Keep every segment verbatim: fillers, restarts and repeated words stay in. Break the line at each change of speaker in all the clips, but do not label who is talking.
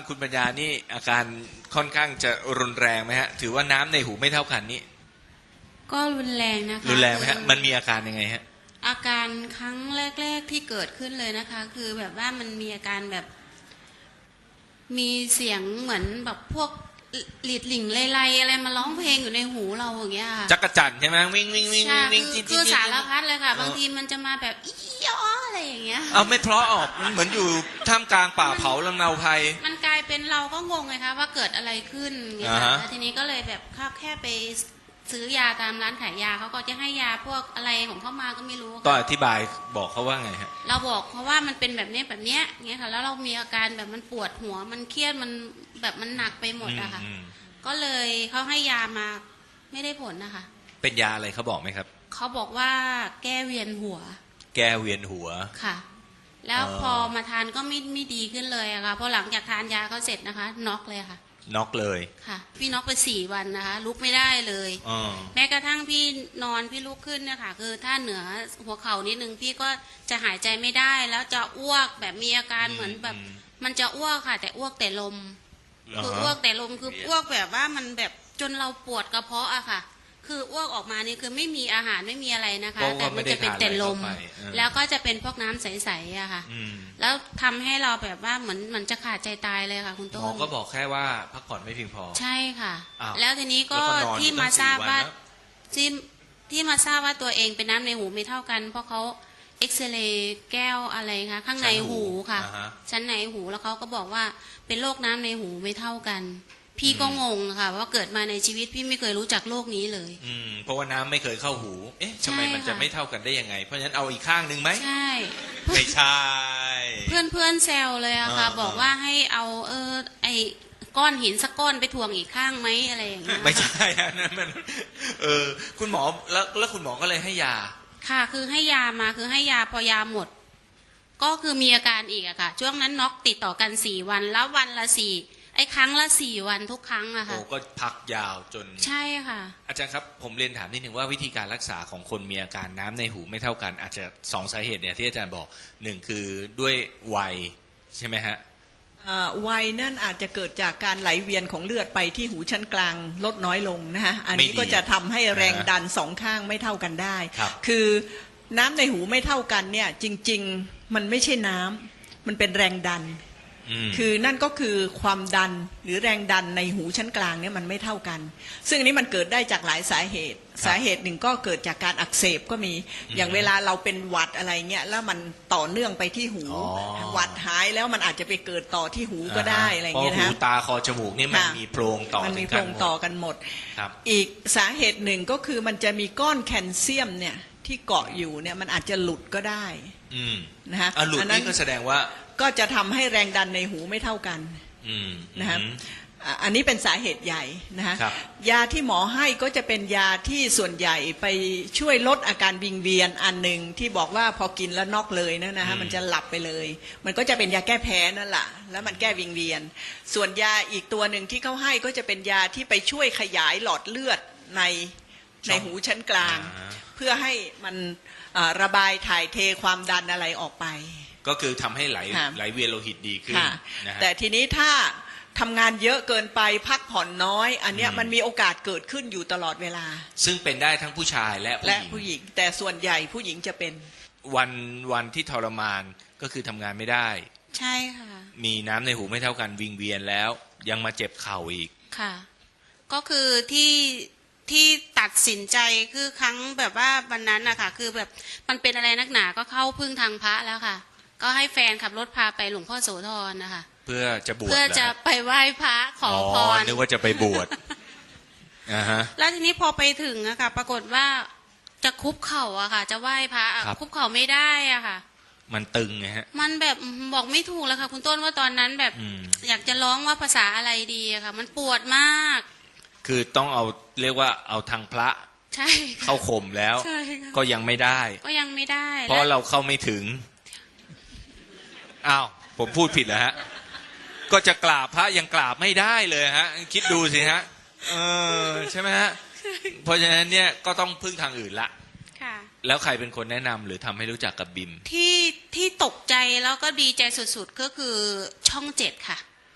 คุณปัญญานี่อาการค่อนข้างจะรุนแรงไหมฮะถือว่าน้ำในหูไม่เท่ากันนี่
ก็รุนแรงนะคะ
รุนแรงไหมฮะมันมีอาการยังไงฮะ
อาการครั้งแรกๆที่เกิดขึ้นเลยนะคะ คือแบบว่ามันมีอาการแบบ มีเสียงเหมือนแบบพวกหลีดหลิ่งไล่ๆอะไรมาร้องเพลงอยู่ในหูเราอย่างเงี้ยค่ะ
จักรจั่นใช่ไหมวิ่งวิ่งวิ่งวิ่ง
คือสารพัดเลยค่ะบางทีมันจะมาแบบอีอ๋ออะไรอย่างเงี้ย
เอาไม่เพราะออกมันเหมือนอยู่ท่ามกลางป่าเผาลำเนาภัย
มันกลายเป็นเราก็งงไงคะว่าเกิดอะไรขึ้นเงี้ยค่ะแล้วทีนี้ก็เลยแบบเข้าแค่ไปซื้อยาตามร้านขายยาเขาก็จะให้ยาพวกอะไรของเขามาก็ไม่รู้
ก็อธิบายบอกเขาว่าไงฮะ
เราบอกเพราะว่ามันเป็นแบบนี้แบบเนี้ยเงี้ยค่ะแล้วเรามีอาการแบบมันปวดหัวมันเครียดมันแบบมันหนักไปหมดอะค่ะก็เลยเขาให้ยามาไม่ได้ผลนะคะ
เป็นยาอะไรเขาบอกไหมครับ
เขาบอกว่าแก้เวียนหัว
แก้เวียนหัว
ค่ะแล้วพอมาทานก็ไม่ไม่ดีขึ้นเลยอะค่ะพอหลังจากทานยาเขาเสร็จนะคะน็อกเลยค่ะ
น็อกเลย
ค่ะพี่น็อกไปสี่วันนะคะลุกไม่ได้เลยแม้กระทั่งพี่นอนพี่ลุกขึ้นเนี่ยค่ะคือถ้าเหนือหัวเข่านิดนึงพี่ก็จะหายใจไม่ได้แล้วจะอ้วกแบบมีอาการเหมือนแบบมันจะอ้วกค่ะแต่อ้วกแต่ลมคืออ้วกแต่ลมคืออ้วกแบบว่ามันแบบจนเราปวดกระเพาะอะค่ะคืออ้วกออกมานี่คือไม่มีอาหารไม่มีอะไรนะคะแต่มันจะเป็นแต่ลมแล้วก็จะเป็นพวกน้ำใสๆอะค่ะแล้วทำให้เราแบบว่าเหมือนเหมือนจะขาดใจตายเลยค่ะคุณต้น
หมอก็บอกแค่ว่าพักผ่อนไม่เพียงพอ
ใช่ค่ะแล้วทีนี้ก็ที่มาทราบว่าที่ที่มาทราบว่าตัวเองเป็นน้ำในหูไม่เท่ากันเพราะเขาเอ็กซเรย์แก้วอะไรคะข้างในหูค่ะชั้นในหูแล้วเขาก็บอกว่าเป็นโรคน้ำในหูไม่เท่ากันพี่ก็งงค่ะว่าเกิดมาในชีวิตพี่ไม่เคยรู้จักโลกนี้เลย
อืมเพราะว่าน้ำไม่เคยเข้าหูเอ๊ะทำไมมันจะไม่เท่ากันได้ยังไงเพราะฉะนั้นเอาอีกข้างหนึ่งไหม
ใช่
ไม่ใช่
เพื่อนเพื่อนแซวเลยอะค่ะบอกว่าให้เอาเออไอก้อนหินสักก้อนไปถ่วงอีกข้างไหมอะไรอย่างเงี้ย
ไม่ใช่อันนั้นมันเออคุณหมอแล้วแล้วคุณหมอก็เลยให้ยา
ค่ะคือให้ยามาคือให้ยาพอยาหมดก็คือมีอาการอีกอะค่ะช่วงนั้นน็อกติดต่อกันสี่วันแล้ววันละสี่ไอ้ครั้งละสี่วันทุกครั้งอะค่ะ
โอ้ก็พักยาวจน
ใช่ค่ะ
อาจารย์ครับผมเรียนถามนิดนึงว่าวิธีการรักษาของคนมีอาการน้ำในหูไม่เท่ากันอาจจะสองสาเหตุเนี่ยที่อาจารย์บอกหนึ่งคือด้วยวัยใช่ไหมฮะ
วัยนั่นอาจจะเกิดจากการไหลเวียนของเลือดไปที่หูชั้นกลางลดน้อยลงนะฮะอันนี้ก็จะทำให้แรงดันสองข้างไม่เท่ากันได้คือน้ำในหูไม่เท่ากันเนี่ยจริงๆมันไม่ใช่น้ำมันเป็นแรงดันคือนั่นก็คือความดันหรือแรงดันในหูชั้นกลางเนี่ยมันไม่เท่ากันซึ่งอันนี้มันเกิดได้จากหลายสาเหตุสาเหตุหนึ่งก็เกิดจากการอักเสบก็มีอย่างเวลาเราเป็นหวัดอะไรเงี้ยแล้วมันต่อเนื่องไปที่หูหวัดหายแล้วมันอาจจะไปเกิดต่อที่หูก็ได้อะไรเงี้ยนะ
หูตาคอจมูกนี่มันมีโพรงต่อ
มันมีโพรงต่อกันหมดอีกสาเหตุหนึ่งก็คือมันจะมีก้อนแคลเซียมเนี่ยที่เกาะอยู่เนี่ยมันอาจจะหลุดก็ได้นะฮะ
หลุดนี่ก็แสดงว่า
ก็จะทำให้แรงดันในหูไม่เท่ากันนะครับอันนี้เป็นสาเหตุใหญ่นะฮะยาที่หมอให้ก็จะเป็นยาที่ส่วนใหญ่ไปช่วยลดอาการวิงเวียนอันหนึ่งที่บอกว่าพอกินแล้วน็อกเลยนะนะฮะมันจะหลับไปเลยมันก็จะเป็นยาแก้แพ้นั่นแหละแล้วมันแก้วิงเวียนส่วนยาอีกตัวหนึ่งที่เขาให้ก็จะเป็นยาที่ไปช่วยขยายหลอดเลือดในในหูชั้นกลางเพื่อให้มันระบายถ่ายเทความดันอะไรออกไป
ก็คือทำให้ไหลไหลเวียนโลหิตดีขึ้นนะ
แต่ทีนี้ถ้าทำงานเยอะเกินไปพักผ่อนน้อยอันเนี้ยมันมีโอกาสเกิดขึ้นอยู่ตลอดเวลา
ซึ่งเป็นได้ทั้งผู้ชายและ
และผู้หญิงแต่ส่วนใหญ่ผู้หญิงจะเป็น
วันวันที่ทรมานก็คือทำงานไม่ได้
ใช่ค่ะ
มีน้ำในหูไม่เท่ากันวิงเวียนแล้วยังมาเจ็บเข่าอีก
ค่ะก็คือที่ที่ตัดสินใจคือครั้งแบบว่าวันนั้นนะคะคือแบบมันเป็นอะไรนักหนาก็เข้าพึ่งทางพระแล้วค่ะก็ให้แฟนขับรถพาไปหลวงพ่อโสธรนะคะ
เพื่อจะบวช
เพื่อจะไปไหว้พระขอพร
นึกว่าจะไปบวชอ่าฮะ
แล้วทีนี้พอไปถึงอะค่ะปรากฏว่าจะคุบเข่าอะค่ะจะไหว้พระคุบเข่าไม่ได้อะค่ะ
มันตึงไงฮะ
มันแบบบอกไม่ถูกแล้วค่ะคุณต้นว่าตอนนั้นแบบอยากจะร้องว่าภาษาอะไรดีอะค่ะมันปวดมาก
คือต้องเอาเรียกว่าเอาทางพระ
ใช่
เข้าข่มแล้วก็ยังไม่ได้
ก็ยังไม่ได้
เพราะเราเข้าไม่ถึงอ้าวผมพูดผิดเหรอฮะก็จะกราบพระยังกราบไม่ได้เลยฮะคิดดูสิฮะเออใช่ไหมฮะเพราะฉะนั้นเนี่ยก็ต้องพึ่งทางอื่นละ
ค่ะ
แล้วใครเป็นคนแนะนำหรือทำให้รู้จักกับบิม
ที่ที่ตกใจแล้วก็ดีใจสุดๆก็คือช่องเจ็ดค่ะ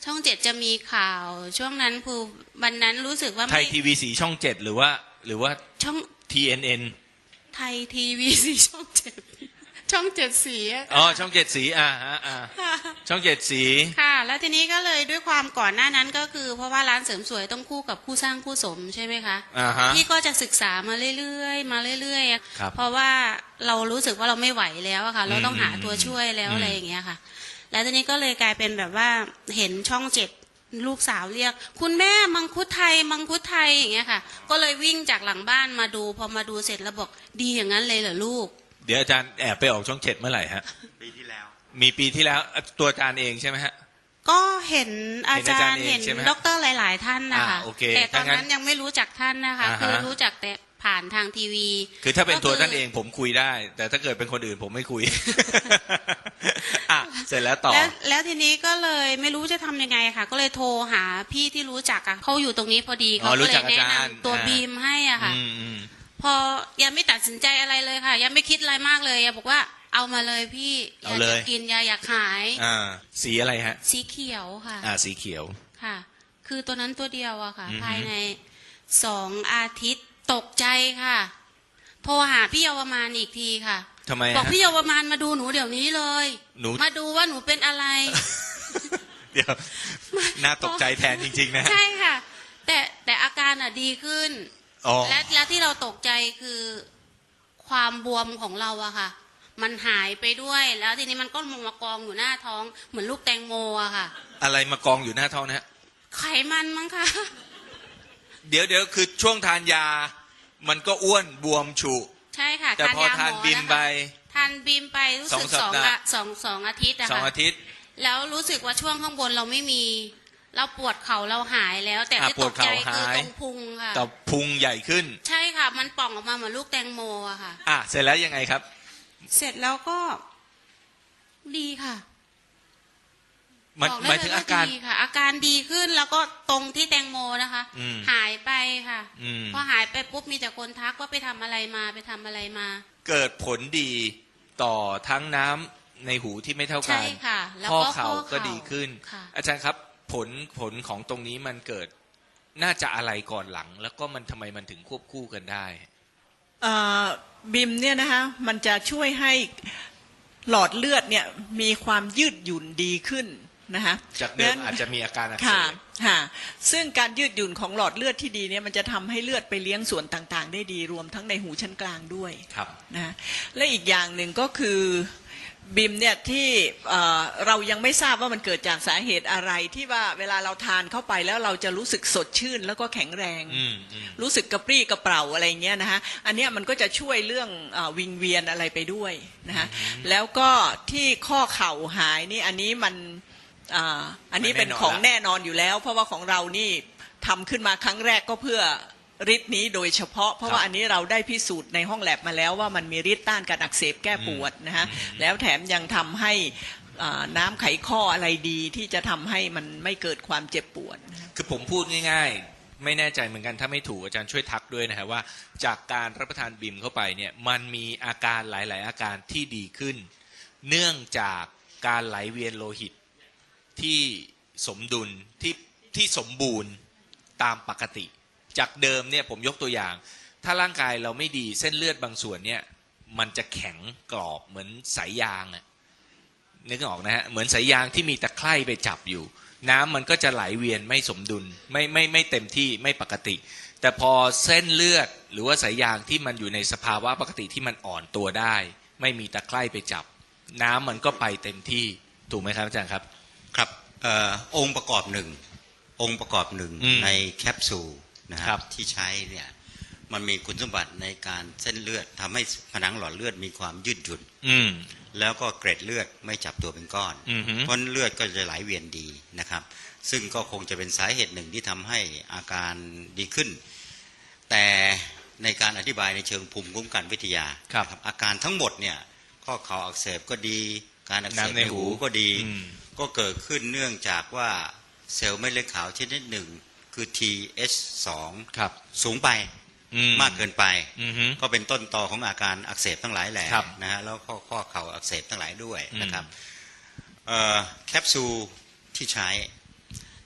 ช่องเจ็ดจะมีข่าวช่วงนั้นคือวันนั้นรู้สึกว่า
ไทย
ไม่
ทีวีสีช่องเจ็ดหรือว่า หรือว่า
ช่อง
ที เอ็น เอ็น
ไทยทีวีสีช่องเจ็ดช่องเจ็ดสีอะ
อ๋อช่องเจ็ดสีอ่าฮะอ่าช่องเจ็ดสี
ค่ะ แล้วทีนี้ก็เลยด้วยความก่อนหน้านั้นก็คือ เพราะว่าร้านเสริมสวยต้องคู่กับคู่สร้างคู่สมใช่ไหมคะ
อ่าฮะ
พี่ก็จะศึกษามาเรื่อยๆมาเรื่อยๆอะ
ครับ
เพราะว่าเรารู้สึกว่าเราไม่ไหวแล้วอะค่ะ เราต้องหาตัวช่วยแล้ว
อืม
อะไรอย่างเงี้ยค่ะ แล้วทีนี้ก็เลยกลายเป็นแบบว่าเห็นช่องเจ็ดลูกสาวเรียก คุณแม่มังคุดไทยมังคุดไทยอย่างเงี้ยค่ะ ก็เลยวิ่งจากหลังบ้านมาดูพอมาดูเสร็จแล้วบอกดีอย่างนั้นเลยเหรอลูก
เดี๋ยวอาจารย์แอบไปออกช่องเจ็ดเมื่อไหร่ฮะ
ปีที่แล้ว
มีปีที่แล้วตัวอาจารย์เองใช่ไหมฮะ
ก็เห็นอาจารย์
เห็
เห็
น
น
อาจารย์เองใช่ไหม
ด็อกเตอร์หลาย ๆ ท่านนะคะ
อ่าโอเค
แต่ตอน
ถ้างั้น
นั้นยังไม่รู้จักท่านนะคะ
อ่าฮะ
คือรู้จักแต่ผ่านทางทีวี
คือถ้าเป็นตัว
ก็คือ
ท่านเองผมคุยได้ แต่ถ้าเกิดเป็นคนอื่นผมไม่คุย อ่ะเสร็จแล้วต่อ
แล้วแล้วทีนี้ก็เลยไม่รู้จะทำยังไงค่ะ ก็เลยโทรหาพี่ที่รู้จักอะเขาอยู่ตรงนี้พอดี
อ๋
เขา
อรู้
ก็เล
จั
ย
ก
แนะ
อาจารย์
นำตัว
อ่า
บีมให้อ่ะค่ะ
อืมอืม
พอยังไม่ตัดสินใจอะไรเลยค่ะ ยังไม่คิดอะไรมากเลยยังบอกว่าเอามาเลยพี่อยากจะกินยาอยากหาย
อ่าสีอะไรฮะ
สีเขียวค่ะ
อ่าสีเขียว
ค่ะ คือตัวนั้นตัวเดียวอะค่ะ
อือฮึ
ภายในสองอาทิตย์ตกใจค่ะ โทรหาพี่เยาวมานอีกทีค่ะ
ทำไม
บอก
ฮะ
พี่เยาวมานมาดูหนูเดี๋ยวนี้เลย
หนู
มาดูว่าหนูเป็นอะไร
เดี๋ยวน่าตกใจแทนจริงๆนะฮะ
ใช่ค่ะ แต่แต่อาการอ่ะดีขึ้น
อ๋อ
และและที่เราตกใจคือความบวมของเราอะค่ะ มันหายไปด้วย แล้วทีนี้มันก็มามากองอยู่หน้าท้อง เหมือนลูกแตงโมอะค่ะ
อะไรมากองอยู่หน้าท้องนะฮะ
ไขมันมั้งคะ
เดี๋ยวเดี๋ยวคือช่วงทานยา มันก็อ้วนบวมฉุ
ใช่ค่ะ
แต่พอทานบิมไป
ทานบิมไปรู้สึก
ส
ส
อ
อง ง
สัปดาห์
อะสองสองอาทิตย์อะ
สอง
ค่ะ
อาทิตย์
แล้วรู้สึกว่าช่วงข้างบนเราไม่มี เราปวดเข่าเราหายแล้ว แต่
อ่ะ
ที่
ป
ต
วด
กใจ
เข่า
คือ
หาย
ตรงพุงค่ะ
แต่พุงใหญ่ขึ้น
ใช่ค่ะ มันป่องออกมาเหมือนลูกแตงโมอะค่ะ
อ่ะเสร็จแล้วยังไงครับ
เสร็จแล้วก็ดีค่ะ
มัน
บอก
ห
ได้
มายถึง
เล
อาการ
ดีค่ะ อาการดีขึ้นแล้วก็ตรงที่แตงโมนะคะ
อืม
หายไปค่ะ
อืม
พอหายไปปุ๊บมีแต่คนทักว่าไปทำอะไรมาไปทำอะไรมา
เกิดผลดีต่อทั้งน้ำในหูที่ไม่เท่ากั
ใช่
น
ค่ะ แล้ว
ข้อ
ก็
เข่า
ข้อ
ก็ดีขึ้น
ค่ะ
อาจารย์ครับ ผลผลของตรงนี้มันเกิดน่าจะอะไรก่อนหลัง แล้วก็มันทำไมมันถึงควบคู่กันได้
เอ่อบิมเนี่ยนะคะมันจะช่วยให้หลอดเลือดเนี่ยมีความยืดหยุ่นดีขึ้นนะคะ
จากเดิม
งั้น
อาจจะมีอาการอักเส
ค่ะ
บ
ค่ะซึ่งการยืดหยุ่นของหลอดเลือดที่ดีเนี่ยมันจะทำให้เลือดไปเลี้ยงส่วนต่างๆ ได้ดีรวมทั้งในหูชั้นกลางด้วย
ครับ
นะและอีกอย่างหนึ่งก็คือบิมเนี่ยที่เอ่อเรายังไม่ทราบว่ามันเกิดจากสาเหตุอะไรที่ว่าเวลาเราทานเข้าไปแล้วเราจะรู้สึกสดชื่นแล้วก็แข็งแรง
อืมอืม
รู้สึกกระปรี้กระเปร่าอะไรเงี้ยนะฮะอันเนี้ยมันก็จะช่วยเรื่องอาวิงเวียนอะไรไปด้วยนะฮะแล้วก็ที่ข้อเข่าหายนี่อันนี้มันอ่าอันนี้เป็นของแน่นอนอยู่แล้ว เพราะว่าของเรานี่ทำขึ้นมาครั้งแรกก็เพื่อฤทธิ์นี้โดยเฉพาะเพราะว่าอันนี้เราได้พิสูจน์ในห้องแลบมาแล้วว่ามันมีฤทธิ์ต้านการอักเสบแก้ปวดนะฮะแล้วแถมยังทำให้อ่าน้ำไขข้ออะไรดีที่จะทำให้มันไม่เกิดความเจ็บปวดนะฮะ
คือผมพูดง่ายๆ ไม่แน่ใจเหมือนกันถ้าไม่ถูกอาจารย์ช่วยทักด้วยนะฮะว่า จากการรับประทานบิมเข้าไปเนี่ยมันมีอาการหลาย ๆ อาการที่ดีขึ้น เนื่องจากการไหลเวียนโลหิตที่สมดุลที่ที่สมบูรณ์ตามปกติ จากเดิมเนี่ยผมยกตัวอย่าง ถ้าร่างกายเราไม่ดีเส้นเลือดบางส่วนเนี่ยมันจะแข็งกรอบเหมือนสายยางอะนึกออกนะฮะเหมือนสายยางที่มีตะไคร่ไปจับอยู่ น้ำมันก็จะไหลเวียนไม่สมดุลไม่ไม่ไม่เต็มที่ไม่ปกติ แต่พอเส้นเลือดหรือว่าสายยางที่มันอยู่ในสภาวะปกติที่มันอ่อนตัวได้ ไม่มีตะไคร่ไปจับ น้ำมันก็ไปเต็มที่ถูกไหมครับอาจารย์ครับ
ครับเออองค์ประกอบหนึ่งองค์ประกอบหนึ่ง
อืม
ในแคปซูลนะค
ครั
รับบ ที่ใช้เนี่ยมันมีคุณสมบัติในการเส้นเลือดทำให้ผนังหลอดเลือดมีความยืดหยุ่น
อืม
แล้วก็เกร็ดเลือดไม่จับตัวเป็นก้อน
อือฮึ
เพราะเลือดก็จะไหลเวียนดีนะครับ ซึ่งก็คงจะเป็นสาเหตุหนึ่งที่ทำให้อาการดีขึ้น แต่ในการอธิบายในเชิงภูมิคุ้มกันวิทยา
ครับ
นะอาการทั้งหมดเนี่ยข้อเข่าอักเสบก็ดีการอักเสบ
น้ำใน
ใน
หู
หูก็ดี
อืม
ก็เกิดขึ้นเนื่องจากว่าเซลล์เม็ดเลือดขาวชนิดหนึ่งคือ ที เอช สอง
ครับ
สูงไป
อื
มากเกินไป
อือฮึ
ก็เป็นต้นตอของอาการอักเสบทั้งหลายแหล่
ครับ
นะฮะแล้วข้อข้อเข่าอักเสบทั้งหลายด้วย
อืม
นะครับเอ่อแคปซูลที่ใช้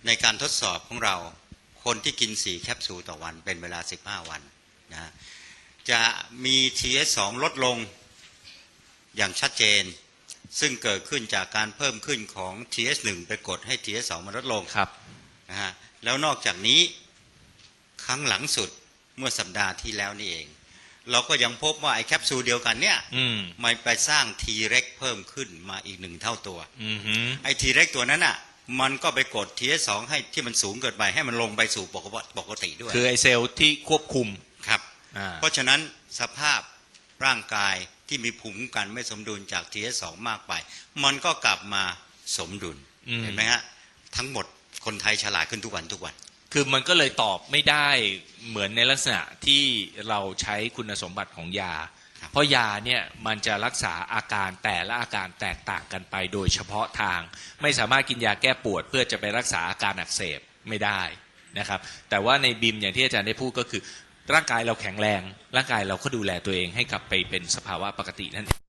ในการทดสอบของเราคนที่กินสี่แคปซูลต่อวันเป็นเวลาสิบห้าวันนะจะมี ที เอส สอง ลดลงอย่างชัดเจนซึ่งเกิดขึ้นจากการเพิ่มขึ้นของ ที เอส หนึ่ง ไปกดให้ ที เอส สอง มันลดลง
ครับ
นะฮะแล้วนอกจากนี้ครั้งหลังสุดเมื่อสัปดาห์ที่แล้วนี่เองเราก็ยังพบว่าไอ้แคปซูลเดียวกันเนี่ย
อืม
มันไปสร้าง T เร็กเพิ่มขึ้นมาอีกหนึ่งเท่าตัว
อือฮึ
ไอ้ T เร็กตัวนั้นอ่ะมันก็ไปกด ที เอส สอง ให้ที่มันสูงเกินไปให้มันลงไปสู่ปกติด้วย
คือไอเซลล์ที่ควบคุม
ครับ
อ่า
เพราะฉะนั้นสภาพร่างกายที่มีภูมิคุ้มกันไม่สมดุลจาก ที เอส สอง มากไปมันก็กลับมาสมดุล
อืม
เห็นไหมฮะทั้งหมดคนไทยฉลาดขึ้นทุกวันทุกวัน
คือมันก็เลยตอบไม่ได้เหมือนในลักษณะที่เราใช้คุณสมบัติของยา
ครับ
เพราะยาเนี่ยมันจะรักษาอาการแต่ละอาการแตกต่างกันไปโดยเฉพาะทาง ไม่สามารถกินยาแก้ปวดเพื่อจะไปรักษาอาการอักเสบไม่ได้นะครับแต่ว่าในบิมอย่างที่อาจารย์ได้พูดก็คือร่างกายเราแข็งแรงร่างกายเราก็ดูแลตัวเองให้กลับไปเป็นสภาวะปกตินั่นเอง